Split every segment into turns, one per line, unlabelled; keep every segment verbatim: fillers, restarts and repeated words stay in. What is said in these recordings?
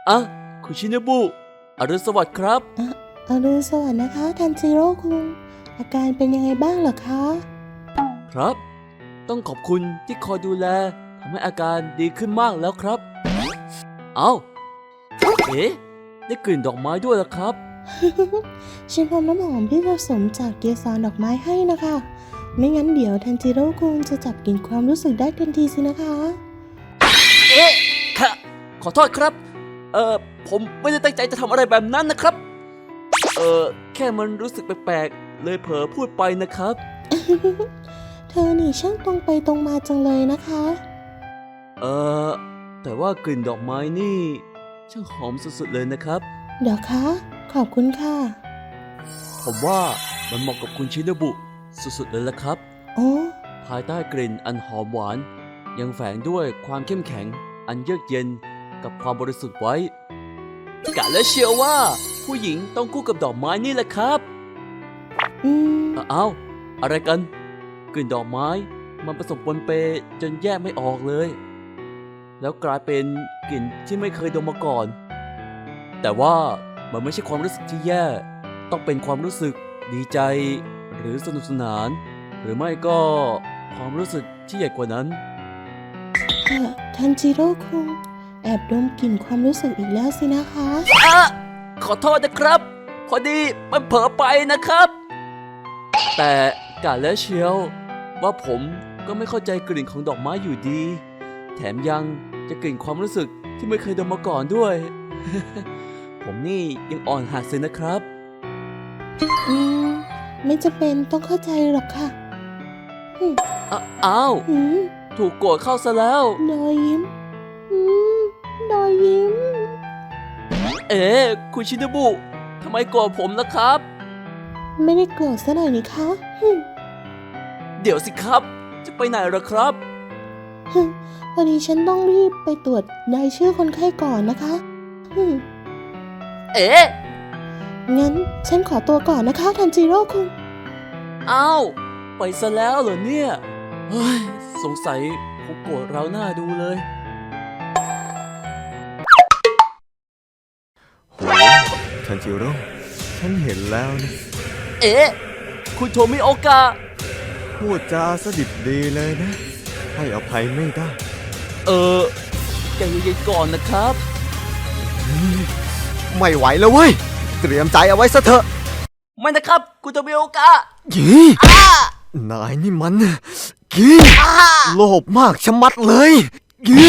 อ่ะคุณชินบุอรุณสวัสดิ์ครับ
อะอรุณสวัสดิ์นะคะทันจิโร่คุงอาการเป็นยังไงบ้างเหรอคะ
ครับต้องขอบคุณที่คอยดูแลทำให้อาการดีขึ้นมากแล้วครับเอาเอ๊ะได้กลิ่นดอกไม้ด้วยล่ะครับ
ฉันทำน้ำหอมที่ผสมจากเกสรดอกไม้ให้นะคะไม่งั้นเดี๋ยวทันจิโร่คุงจะจับกลิ่นความรู้สึกได้ทันทีสินะคะ
เอ๊ะค่ะขอโทษครับเอ่อผมไม่ได้ตั้งใจจะทำอะไรแบบนั้นนะครับเอ่อแค่มันรู้สึกแปลกๆเลยเผลอพูดไปนะครับ
เธอนี่ช่างตรงไปตรงมาจังเลยนะคะ
เอ่อแต่ว่ากลิ่นดอกไม้นี่ช่างหอมสุดๆเลยนะครับ
เดี๋ยวคะขอบคุณค่ะ
ผมว่ามันเหมาะกับคุณชินบุสุดๆเลยละครับ
โอ้
ภายใต้กลิ่นอันหอมหวานยังแฝงด้วยความเข้มแข็งอันเยือกเย็นกับความบริสุทธิ์ไว้กะและเชื่อว่าผู้หญิงต้องคู่กับดอกไม้นี่แหละครับ
อืม
อ้าวอะไรกันกลิ่นดอกไม้มันผสมปนเปจนแยกไม่ออกเลยแล้วกลายเป็นกลิ่นที่ไม่เคยดมมาก่อนแต่ว่ามันไม่ใช่ความรู้สึกที่แย่ต้องเป็นความรู้สึกดีใจหรือสนุกสนานหรือไม่ก็ความรู้สึกที่ใหญ่กว่านั้น
เอ่อทันจิโร่คุงแอบดมกลิ่นความรู้สึกอีกแล้วสินะคะ
อะขอโทษนะครับพอดีมันเผลอไปนะครับแต่กะแล้วเชียวว่าผมก็ไม่เข้าใจกลิ่นของดอกไม้อยู่ดีแถมยังจะกลิ่นความรู้สึกที่ไม่เคยดมมาก่อนด้วย ผมนี่ยังอ่อนหัดเลยนะครับ
อืมไม่จำเป็นต้องเข้าใจหรอกค่ะ
อ้าอ้าวถูกโกรธเข้าซะแล้ว
ดอยยิ้มอืมดอยยิ้ม
เอ๊ะคุณชินบุทำไมโกรธผมล่ะครับ
ไม่ได้โกรธซะหน่อยนี่คะ
เดี๋ยวสิครับจะไปไหนล่ะครับ
พอดีฉันต้องรีบไปตรวจรายชื่อคนไข้ก่อนนะคะ
เอ๊ะ
งั้นฉันขอตัวก่อนนะคะทันจิโร่คุง
อ้าวไปซะแล้วเหรอเนี่ยเฮ้ยสงสัยคงโกรธเราหน้าดูเลย
โหทันจิโร่ฉันเห็นแล้วนะ
เอ๊ะคุณโทมิโอกะ
พูดจาสดิบดีเลยนะให้อภัยไม่ได้
เออใจเย็นๆก่อนนะครับ
ไม่ไหวแล้วเว้ยเตรียมใจเอาไว้ซะเถอะ
ไม่นะครับคุณโทมิโอกะ
ยี่นายนี่มันยี่โลภมากชะมัดเลยยี่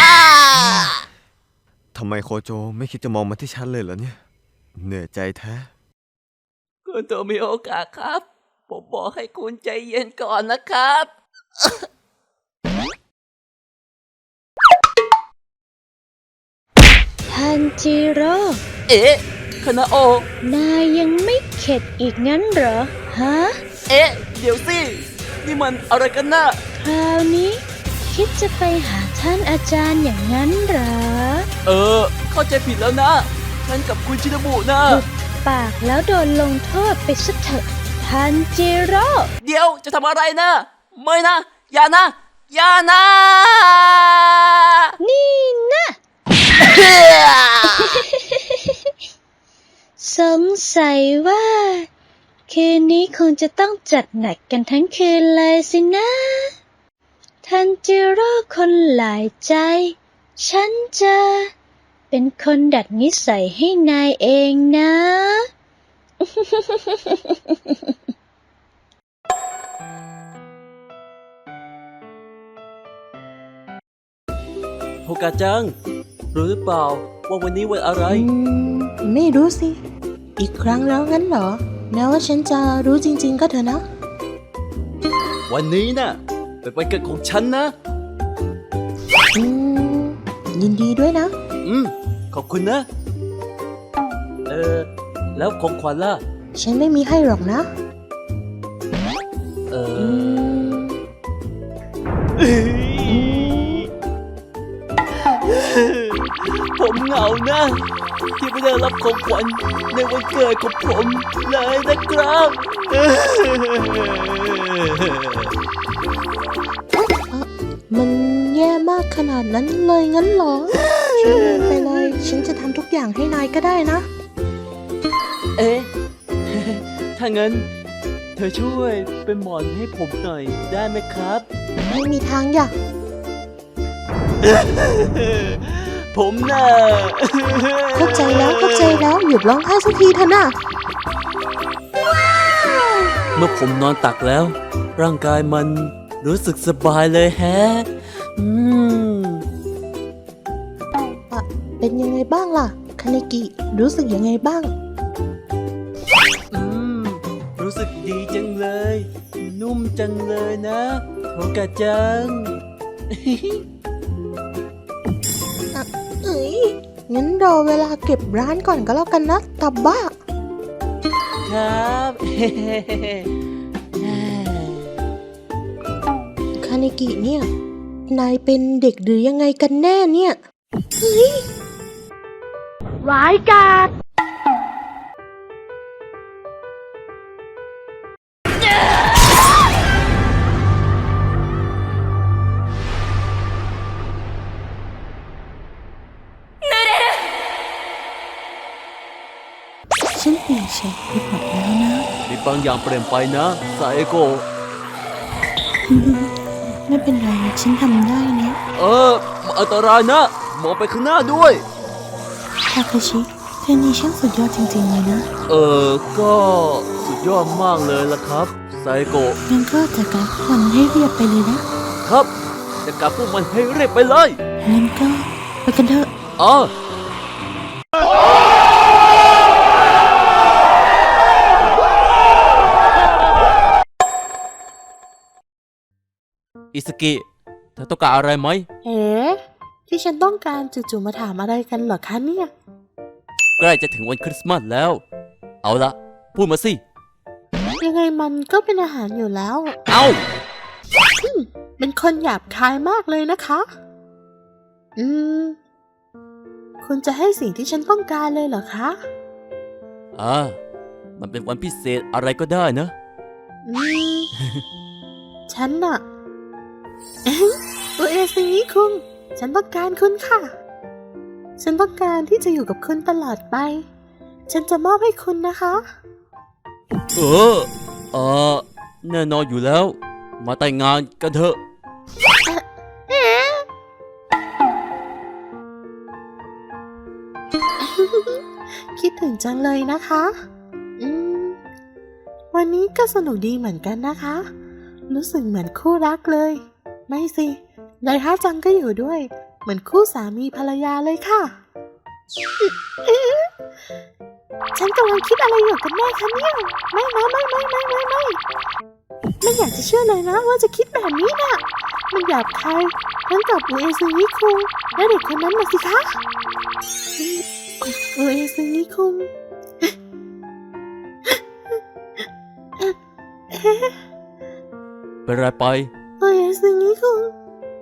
ทำไมโคโจไม่คิดจะมองมาที่ฉันเลยเหรอเนี่ยเหนื่อยใจแท้
คุณโทมิโอกะครับผมบอกให้คุณใจเย็นก่อนนะครับ
ทันจิโร่
เอ๊ะคานาโอน
ายยังไม่เข็ดอีกงั้นเหรอฮะ
เอ๊ะเดี๋ยวสินี่มันอะไรกันนะ
คราวนี้คิดจะไปหาท่านอาจารย์อย่างนั้นเหรอ
เออเข้าใจผิดแล้วนะฉันกับคุณชินบุนะ
หุบปากแล้วโดนลงโทษไปซะเถอะทันจิโร่
เดี๋ยวจะทำอะไรนะไม่นะอย่านะอย่านะ
นี่นะสงสัยว่าคืนนี้คงจะต้องจัดหนักกันทั้งคืนเลยสินะทันจิโร่คนหลายใจฉันจะเป็นคนดัดนิสัยให้นายเองนะ
โฮกาจังรู้หรือเปล่าว่าวันนี้วันอะไร
อืมไม่รู้สิอีกครั้งแล้วงั้นเหรอแม้ว่าฉันจะรู้จริงๆก็เถอะนะ
วันนี้น่ะเป็นวันเกิดของฉันนะ
อืมยินดีด้วยนะ
อืมขอบคุณนะเออแล้วของขวัญล่ะ
ฉันไม่มีให้หรอกนะ
เออผมเหงานะที่ไม่ได้รับของขวัญในวันเกิดของผมเลยนะครับ
มันแย่มากขนาดนั้นเลยงั้นเหรอฉันลืมไปเลยฉันจะทำอย่างให้นายก็ได้นะ
เอ๊ะ ถ้างั้น เธอช่วยเป็นหมอนให้ผมหน่อยได้ไหมครับ
ไม่มีทางอย่า
ผมน่ะ
เข้าใจแล้วเข้าใจแล้วหยุดร้องไห้สักทีเถอะนะ
เมื่อผมนอนตักแล้ว ร่างกายมันรู้สึกสบายเลยแฮะ อืม
อะเป็นยังไงบ้างล่ะคาเนกิรู้สึกยังไงบ้าง
อืม รู้สึกดีจังเลย นุ่มจังเลยนะโทกะจัง
เอ้ยงั้นรอเวลาเก็บร้านก่อนก็แล้วกันนะตับบ้า
ครับ
คาเนกิเนี่ย นายเป็นเด็กหรือยังไงกันแน่เนี่ย เฮ้ย
ร้ายกาจ
ฉันเปลี่ยนเฉดไปหมดแล้วนะ
มีบางอย่างเปลี่ยนไปนะไซโกะ
ไม่เป็นไรฉันทำได้นะ
เอออันตรายนะ มองไปข้างหน้าด้วย
ทาเคชิเธอนี่ช่างสุดยอดจริงๆเลยนะ
เออ ก็สุดยอดมากเลยล่ะครับไซโกะ
งั้นก็จัดการพวกมันให้เรียบไปเลยนะครับ
จะกลับพวกมันให้เรียบไปเลย
งั้นก็ไปกันเถอะ
อ๋ออิสกิเธอต้องการอะไรไหม
เอ๋ที่ฉันต้องการจู่ๆมาถามอะไรกันเหรอคะเนี่ย
ใกล้จะถึงวันคริสต์มาสแล้ว เอาละพูดมาสิ
ยังไงมันก็เป็นอาหารอยู่แล้ว
เอา
เป็นคนหยาบคายมากเลยนะคะ อืม คุณจะให้สิ่งที่ฉันต้องการเลยเหรอคะ
อ่ามันเป็นวันพิเศษอะไรก็ได้นะ
อืม ฉันน่ะ โอเอซิงิคุงฉันต้องการคุณค่ะ ฉันต้องการที่จะอยู่กับคุณตลอดไป ฉันจะมอบให้คุณนะคะ
เออ เออแน่นอนอยู่แล้ว มาแต่งงานกันเถอะ
คิดถึงจังเลยนะคะ อืม วันนี้ก็สนุกดีเหมือนกันนะคะ รู้สึกเหมือนคู่รักเลย ไม่สิไดฮะจังก็อยู่ด้วย เหมือนคู่สามีภรรยาเลยค่ะ ฉันกำลังคิดอะไรอยู่กันแน่คะเนี่ยไม่นะไม่ไม่ไม่ไม่ไม่ไม่อยากจะเชื่อเลยนะว่าจะคิดแบบนี้น่ะ มันหยาบคายทั้งกับอุเอซึงิคุงและเด็กคนนั้นน่ะสิคะอุเอซึงิคุง
เป็นไรไป
อุเอซึงิคุง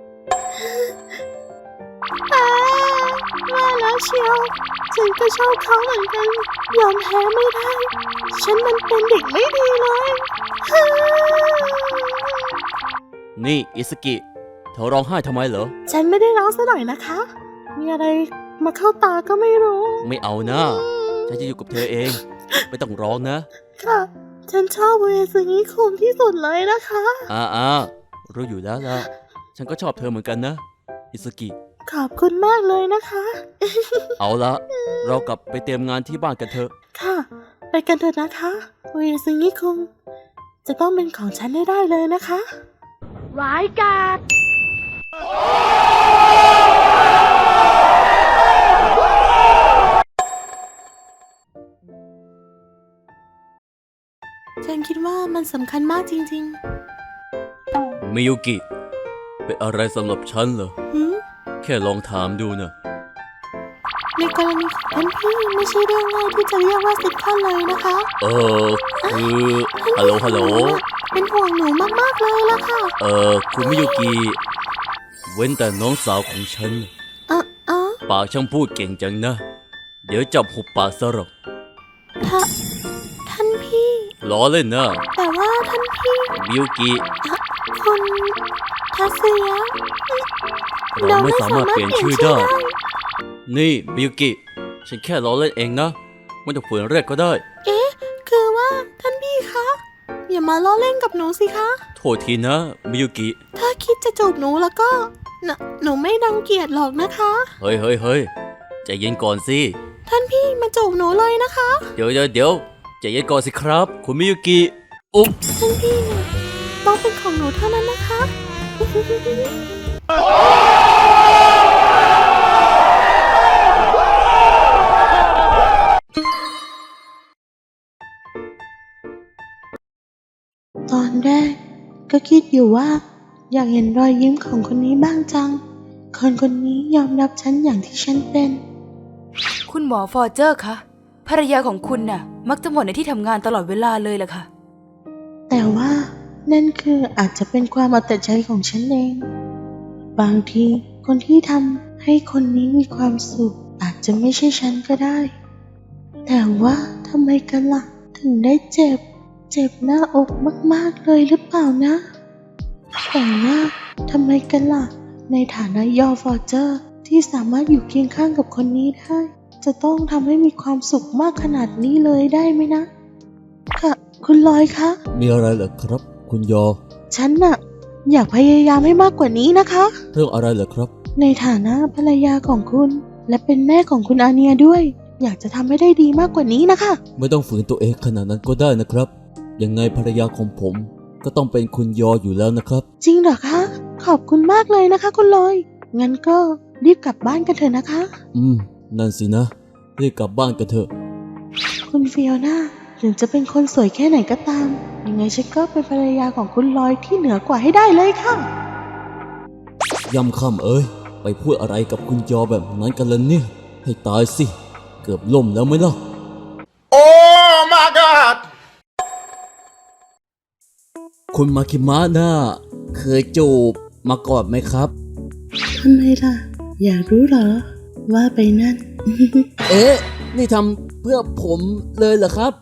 อ่าว่าแล้วเชียวฉันก็ชอบเขาเหมือนกันยอมแพ้ไม่ได้ ฉันมันเป็นเด็กไม่ดีเลย
นี่อิสกิ เธอร้องไห้ทำไมเหรอ
ฉันไม่ได้ร้องซะหน่อยนะคะ มีอะไรมาเข้าตาก็ไม่รู้
ไม่เอานะ ฉันจะอยู่กับเธอเอง ไม่ต้องร้องนะ
ค่ะ ฉันชอบเวซึงิคุงที่สุดเลยนะคะ
อ่าอ่ารู้อยู่แล้วล่ะ ฉันก็ชอบเธอเหมือนกันนะ อิสกิ
ขอบคุณมากเลยนะคะ
เอาละ เรากลับไปเตรียมงานที่บ้านกันเถอะ
ค่ะ ไปกันเถอะนะคะเวซึงิคุงจะต้องเป็นของฉันได้ได้เลยนะคะ
ร้ายกาจ
ฉันคิดว่ามันสำคัญมากจริง
มิยุกิ เป็นอะไรสำหรับฉันเหรอ
ๆหืม
แค่ลองถามดูนะ
ในกรณีของท่านพี่ไม่ใช่เรื่องง่ายที่จะเรียกว่าซิทคอมเลยนะคะ
เออ คือฮัลโหล ฮัลโหล
เป็นห่วงหนูมากๆเลยล่ะค่ะ
เออ คุณมิยุกิ เว้นแต่น้องสาวของฉัน
อ่ะอ๋อ
ปากช่างพูดเก่งจังนะ เดี๋ยวจับหุบปากซะหรอก
ท่าท่านพี่
ล้อเล่นนะ
แต่ว่าท่านพี่
มิยุกิ
คุณทัศยะ
เราไม่สามารถเปลี่ยนชื่อได้ นี่มิยุกิ ฉฉันแค่ล้อเล่นเองนะไม่ต้องฝืนเรียกก็ได้
คือว่าท่านพี่คะ อย่ามาล้อเล่นกับหนูสิคะ
โทษทีนะมิยุกิ
ถ้าคิดจะจูบหนูแล้วก็หนหนูไม่รังเกียจหรอกนะคะ
เฮ้ยเฮ้ยเฮ้ยใจเย็นก่อนสิ
ท่านพี่มาจูบหนูเลยนะคะ
เดี๋ยวเดี๋ยวเดี๋ยวใจเย็นก่อนสิครับ คุณมิยุกิอุ๊บ
ท่านพี่เนี่ยต้องเป็นของหนูเท่านั้นนะคะ ตอนแรกก็คิดอยู่ว่า อยากเห็นรอยยิ้มของคนนี้บ้างจัง คนคนนี้ยอมรับฉันอย่างที่ฉันเป็น
คุณหมอฟอร์เจอร์คะภรรยาของคุณน่ะ มักจะหมดในที่ทำงานตลอดเวลาเลยล่ะค่ะ
แต่ว่านั่นคืออาจจะเป็นความเอาแต่ใจของฉันเอง บางทีคนที่ทำให้คนนี้มีความสุขอาจจะไม่ใช่ฉันก็ได้ แต่ว่าทำไมกันล่ะถึงได้เจ็บ เจ็บหน้าอกมากๆเลยหรือเปล่านะ แต่ว่าทำไมกันล่ะในฐานะยอฟอร์เจอร์ที่สามารถอยู่เคียงข้างกับคนนี้ได้ จะต้องทำให้มีความสุขมากขนาดนี้เลยได้ไหมนะ ค่ะคุณลอยคะ
มีอะไรเหรอครับ คุณยอ
ฉันน่ะอยากพยายามให้มากกว่านี้นะคะ
เรื่องอะไรเหรอครับ
ในฐานะภรรยาของคุณ และเป็นแม่ของคุณอาเนียด้วย อยากจะทำให้ได้ดีมากกว่านี้นะคะ
ไม่ต้องฝืนตัวเองขนาดนั้นก็ได้นะครับ ยังไงภรรยาของผมก็ต้องเป็นคุณยออยู่แล้วนะครับ
จริงเหรอคะ ขอบคุณมากเลยนะคะ คุณลอย งั้นก็รีบกลับบ้านกันเถอะนะคะ
อืม นั่นสินะ รีบกลับบ้านกันเถอะ
คุณฟิโอน่าถึงจะเป็นคนสวยแค่ไหนก็ตาม ยังไงฉันก็เป็นภรรยาของคุณลอยที่เหนือกว่าให้ได้เลยค่ะ
ยำค่ำเอ้ย ไปพูดอะไรกับคุณยอแบบนั้นกันล่ะเนี่ย ให้ตายสิ เกือบล่มแล้วไหมล่ะ
Oh my god
คุณมาคิมะน่าเคยจูบมาก่อนไหมครับ
ทำไมล่ะ อยากรู้เหรอ ว่าไปนั่น
เอ๊ะ นี่ทำเพื่อผมเลยเหรอครับ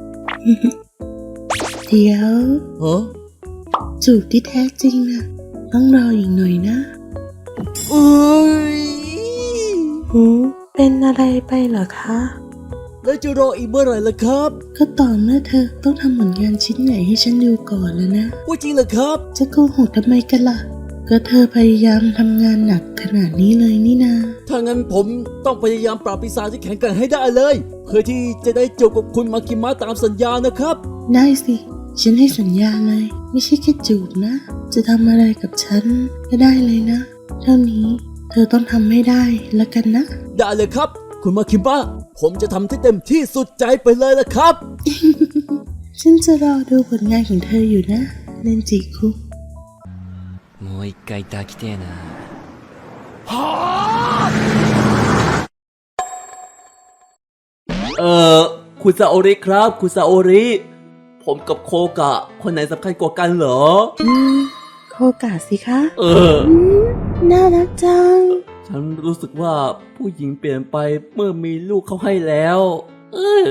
เดี๋ยว
ฮะ
จูบที่แท้จริงนะต้องรออีกหน่อยนะ
เอ้ย
หูเป็นอะไรไปเหรอคะ
แล้วจะรออีกเมื่อไหร่ล่ะครับ
ก็ต่อเมื่อเธอต้องทำผลงานชิ้นใหญ่ให้ฉันดูก่อนแล้วนะ
ว่าจริงเหรอครับ
จะโกหกทำไมกันล่ะ ก็เธอพยายามทำงานหนักขนาดนี้เลยนี่นา
ถ้างั้นผมต้องพยายามปราบปีศาจที่แข็งแกร่งให้ได้เลย เพื่อที่จะได้จูบกับคุณมาคิมะตามสัญญานะครับ
ได้สิ ฉันให้สัญญาเลย ไม่ใช่แค่จูบนะ จะทำอะไรกับฉันก็ได้เลยนะ เท่านี้เธอต้องทำให้ได้แล้วกันนะ
ได้เลยครับ คุณมาคิมะผมจะทำที่เต็มที่สุดใจไปเลยละครับ
ฉันจะรอดูผลงานของเธออยู่นะเนนจิคุง
もう一回抱きてえな。
เอ่อ คุณซาโอริครับ คุณซาโอริ ผมกับโคกะ คนไหนสำคัญกว่ากันเหรอ
อืมโคกาสิคะ
เออ
อืมน่ารักจัง
ฉันรู้สึกว่าผู้หญิงเปลี่ยนไปเมื่อมีลูกเขาให้แล้ว เออ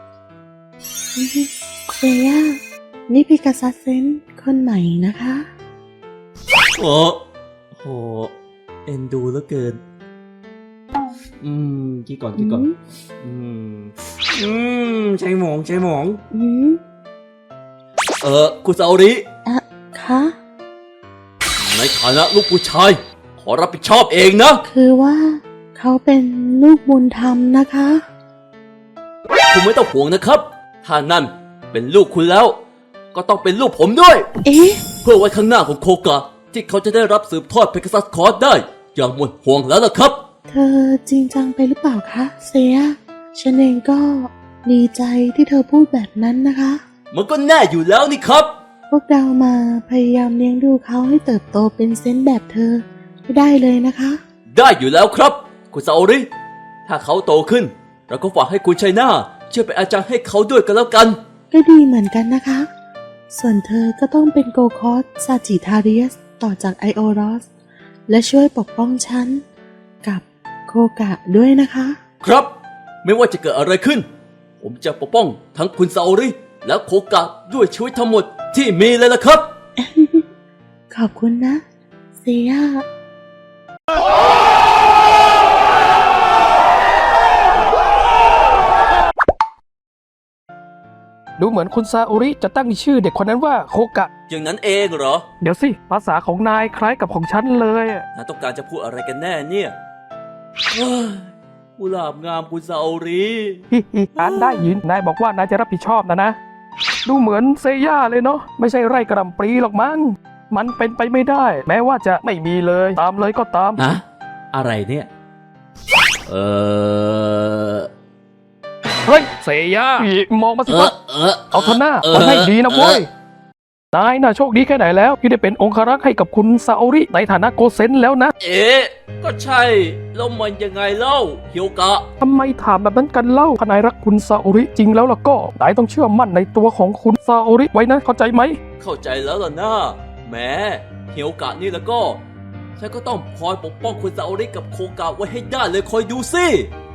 เซย่านี่พิกาซัสเซนคนใหม่นะคะ
โอ้โห เอ็นดูเหลือเกิน อืมกี่ก่อนกี่ก่อน อืม อืม ใช่หมองใช่หมอง
อืม
เออ คุณซาโอริ
อะคะ
ในฐานะลูกผู้ชาย ขอรับผิดชอบเองนะ
คือว่าเขาเป็นลูกบุญธรรมนะคะ
คุณไม่ต้องห่วงนะครับ ถ้านั่นเป็นลูกคุณแล้ว ก็ต้องเป็นลูกผมด้วย
เอ๊ะ
เพื่อไว้ข้างหน้าของโคกะ ที่เขาจะได้รับสืบทอดเพกัสซัสคอร์สได้ อย่างหมดห่วงแล้วล่ะครับ
เธอจริงจังไปหรือเปล่าคะเซีย ฉันเองก็ดีใจที่เธอพูดแบบนั้นนะคะ
มันก็แน่อยู่แล้วนี่ครับ
พวกเรามาพยายามเลี้ยงดูเขาให้เติบโตเป็นเซนต์แบบเธอไม่ได้เลยนะคะ
ได้อยู่แล้วครับ คุณซาโอริ ถ้าเขาโตขึ้น เราก็ฝากให้คุณชัยนาช่วยเป็นอาจารย์ให้เขาด้วยกันแล้วกัน
ก็ดีเหมือนกันนะคะ ส่วนเธอก็ต้องเป็นโกคอสซาจิทาเรียสต่อจากไอโอรอส และช่วยปกป้องฉัน กับโคกะด้วยนะคะ
ครับ ไม่ว่าจะเกิดอะไรขึ้น ผมจะปกป้องทั้งคุณซาโอริ และโคกะด้วยชีวิตทั้งหมดที่มีเลยล่ะครับ
ขอบคุณนะเซีย
ดูเหมือนคุณซาโอริจะตั้งชื่อเด็กคนนั้นว่าโคกะ
อย่างนั้นเองเหรอ
เดี๋ยวสิ ภาษาของนายคล้ายกับของฉันเลยอะ
นายต้องการจะพูดอะไรกันแน่เนี่ยเฮ้ยกุหลาบงามคุณซาโอริ
ฮิฮิอ่านได้ยิน นายบอกว่านายจะรับผิดชอบนะนะ ดูเหมือนเซย่าเลยเนาะ ไม่ใช่ไร่กระหล่ำปลีหรอกมั้ง มันเป็นไปไม่ได้ แม้ว่าจะไม่มีเลย ตามเลยก็ตาม
ฮะ อะไรเนี่ย เออ
เฮ้ย เซย่าอีมองมาสิ
เอ
วะ
อ เออ
เอาเถอะหน้า
เออ
มันให้ดีนะเว้ย
เออ
นายน่ะโชคดีแค่ไหนแล้ว ที่ได้เป็นองครักษ์ให้กับคุณซาโอริในฐานะโกเซนแล้วนะ
เอ๊ะ ก็ใช่ แล้วมันยังไงเล่าเฮียวกะ
ทำไมถามแบบนั้นกันเล่าถ้านายรักคุณซาโอริจริงแล้วล่ะก็นายต้องเชื่อมั่นในตัวของคุณซาโอริไว้นะ เข้าใจไหม
เข้าใจแล้วล่ะนะแหมเฮียวกะนี่แล้วก็ ฉันก็ต้องคอยปกป้องคุณซาโอริกับโคกะไว้ให้ได้เลยคอยดูสิ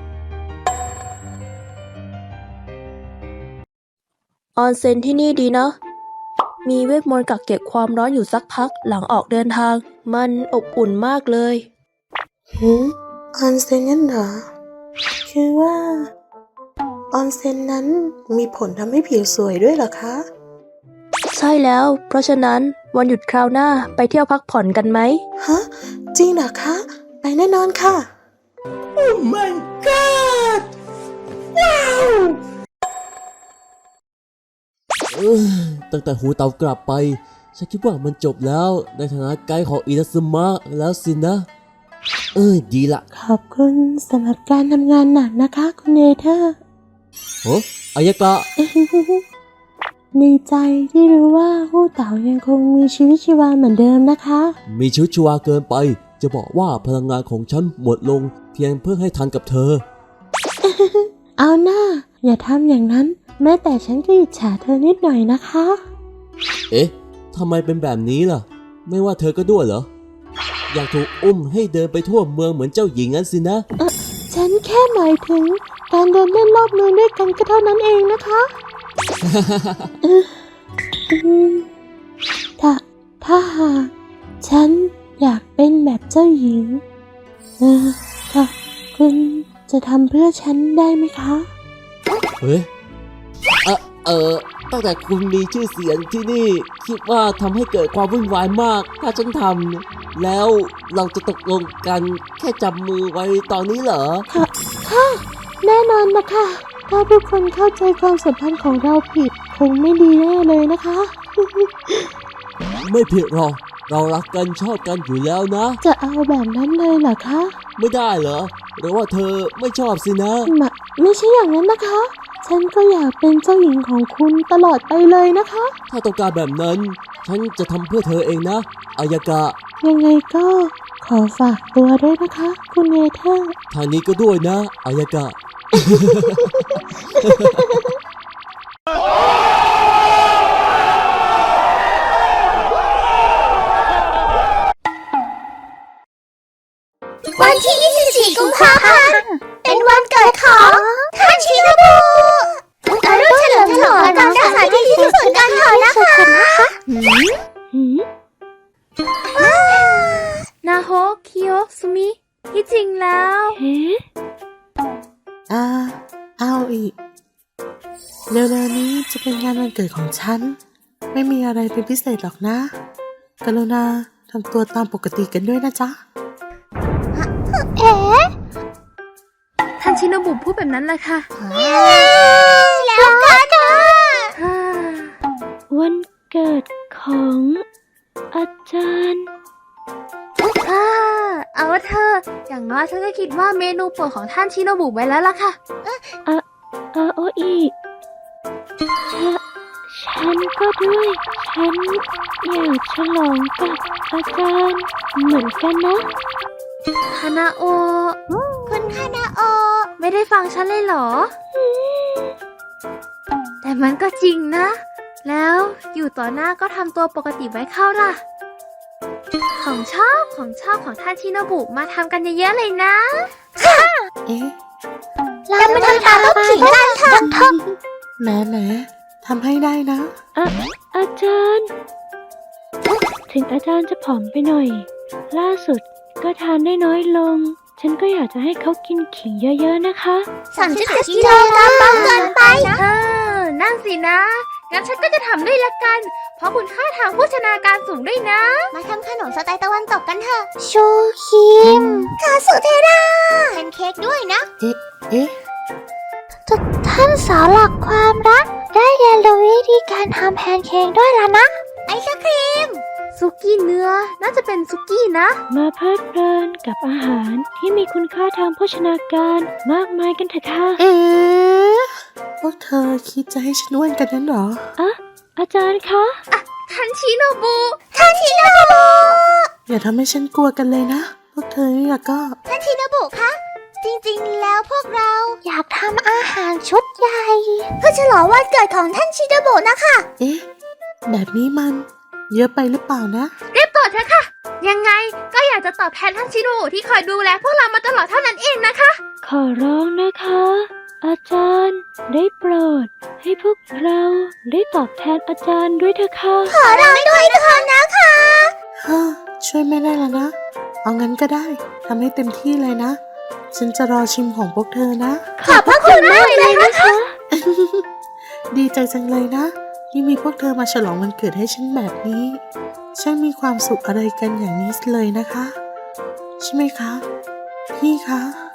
ออนเซ็นที่นี่ดีนะ มีเวทมนต์กักเก็บความร้อนอยู่สักพักหลังออกเดินทาง มันอบอุ่นมากเลย
หืมออนเซ็นงั้นเหรอ คือว่า ออนเซ็นนั้นมีผลทำให้ผิวสวยด้วยเหรอคะ
ใช่แล้ว เพราะฉะนั้นวันหยุดคราวหน้าไปเที่ยวพักผ่อนกันไหม
ฮะ จริงเหรอคะ ไปแน่นอนค่ะ
เออตั้งแต่หูเตากลับไป ฉันคิดว่ามันจบแล้วในฐานะไกด์ของอินาซึมะแล้วสินะ เออดีละ
ขอบคุณสำหรับการทำงานหนักนะคะ คุณเนเธอร์
โอ้อายากะ
ดีใจที่รู้ว่าฮู้เต๋ายังคงมีชีวิตชีวาเหมือนเดิมนะคะ
มีชีวิตชีวาเกินไป จะบอกว่าพลังงานของฉันหมดลง เพียงเพื่อให้ทันกับเธอ
เอาหน้า อย่าทำอย่างนั้น แม้แต่ฉันก็อิจฉาเธอนิดหน่อยนะคะ
เอ๊ะทำไมเป็นแบบนี้ล่ะ ไม่ว่าเธอก็ด้วยเหรอ อยากถูกอุ้มให้เดินไปทั่วเมืองเหมือนเจ้าหญิงงั้นสินะ
ฉันแค่หมายถึงการเดินเล่นรอบเมืองด้วยกันก็เท่านั้นเองนะคะอืมถ้าถ้าหากฉันอยากเป็นแบบเจ้าหญิง เออค่ะคุณจะทำเพื่อฉันได้ไหมคะ
เฮ้ยเออเออตั้งแต่คุณมีชื่อเสียงที่นี่ คิดว่าทำให้เกิดความวุ่นวายมาก ถ้าฉันทำแล้วเราจะตกลงกันแค่จับมือไว้ตอนนี้เหรอ
ค่ะ ค่ะ แน่นอนนะคะ ถ้าทุกคนเข้าใจความสัมพันธ์ของเราผิด คงไม่ดีแน่เลยนะคะ
ไม่ผิดหรอกเรารักกันชอบกันอยู่แล้วนะ
จะเอาแบบนั้นเลยเหรอคะ
ไม่ได้เหรอ หรือว่าเธอไม่ชอบสินะ
มะไม่ใช่อย่างนั้นนะคะ ฉันก็อยากเป็นเจ้าหญิงของคุณตลอดไปเลยนะคะ
ถ้าต้องการแบบนั้น ฉันจะทำเพื่อเธอเองนะ อายากะ
ยังไงก็ขอฝากตัวด้วยนะคะ คุณเนเธอร์
ทางนี้ก็ด้วยนะ อายากะ
วันที่ ยี่สิบสี่ กุมภาพันธ์ เป็นวันเกิดของท่านชินบุมาร่วมเฉลิมฉลองกันสถานที่ที่สุดกันเถอะนะคะ
นาโฮคิโอซุมิ ที่จริงแล้ว
อ่า เอาอีก เร็วๆนี้จะเป็นงานวันเกิดของฉัน ไม่มีอะไรเป็นพิเศษหรอกนะ กรุณาทำตัวตามปกติกันด้วยนะจ๊ะ
เอ๊ะ
ท่านชิโนบุพูดแบบนั้นแหละค่ะ
แล้วกันนะ
วันเกิดของอาจารย์อ่าเอาว่าเธอ อย่างน้อยฉันก็คิดว่าเมนูโปรดของท่านชิโนบุไว้แล้วล่ะค่ะอ่ะอาโออีฉันฉันก็ด้วย ฉันอยากฉลองกับอาจารย์เหมือนกันนะคานาโอ
คุณคานาโอ
ไม่ได้ฟังฉันเลยเหรอ แต่มันก็จริงนะ แล้วอยู่ต่อหน้าก็ทำตัวปกติไว้เข้าล่ะ ของชอบของชอบของท่านชิโนบุมาทำกันเยอะๆเลยนะ
เอ๊ะ
เรามาทำตามลูกขิงกันเถอะ
แหมแหมทำให้ได้นะ
อะอาจารย์ ถึงอาจารย์จะผอมไปหน่อย ล่าสุดก็ทานได้น้อยลง ฉันก็อยากจะให้เขากินขิงเยอะๆนะคะ
สามสิบเจ็ดกิโลกรัมเบาเกินไปนะ
ใช่
นั่นสินะ งั้นฉันก็จะทำด้วยละกัน เพราะคุณค่าทางโภชนาการสูงด้วยนะ มาทำขนมสไตล์ตะวันตกกันเถอะ ชูคิมคาสุเทราแพนเค้กด้วยนะ
เอ๊ะ เอ๊ะ
ท่านสาวหลักความรัก ได้เรียนรู้วิธีการทำแพนเค้กด้วยแล้วนะ ไอศครีม ซุกี้เนื้อ น่าจะเป็นซุกี้นะ
มาเพลิดเพลินกับอาหารที่มีคุณค่าทางโภชนาการมากมายกันเถอะค่ะ
เอ๊ะ พวกเธอคิดจะให้ฉันอ้วนกันนั้นเหรอ
อะอาจารย์คะ
ทันชิโนบุ ทันชิโนบุ
อย่าทำให้ฉันกลัวกันเลยนะ พวกเธอนี่ละก็
ทันชิโนบุคะ จริงๆ แล้วพวกเราอยากทำอาหารชุดใหญ่ เพื่อฉลองวันเกิดของท่านชิโนบุนะคะ
เอ๊ะ แบบนี้มันเยอะไปหรือเปล่านะ
เรียบต่อเถอะค่ะ ยังไงก็อยากจะตอบแทนท่านชิโนบุที่คอยดูแลพวกเรามาตลอดเท่านั้นเองนะคะ
ขอร้องนะคะ อาจารย์ได้โปรด ให้พวกเราได้ตอบแทนอาจารย์ด้วยเถอะค่ะ
ขอร้องด้วยเถอะนะคะ
ฮ่าช่วยไม่ได้แล้วนะ เอางั้นก็ได้ ทำให้เต็มที่เลยนะ ฉันจะรอชิมของพวกเธอนะ
ขอบพระคุณมากเลยนะคะ
ดีใจจังเลยนะ ที่มีพวกเธอมาฉลองวันเกิดให้ฉันแบบนี้ช่างมีความสุขอะไรกันอย่างนี้เลยนะคะ ใช่ไหมคะ พี่คะ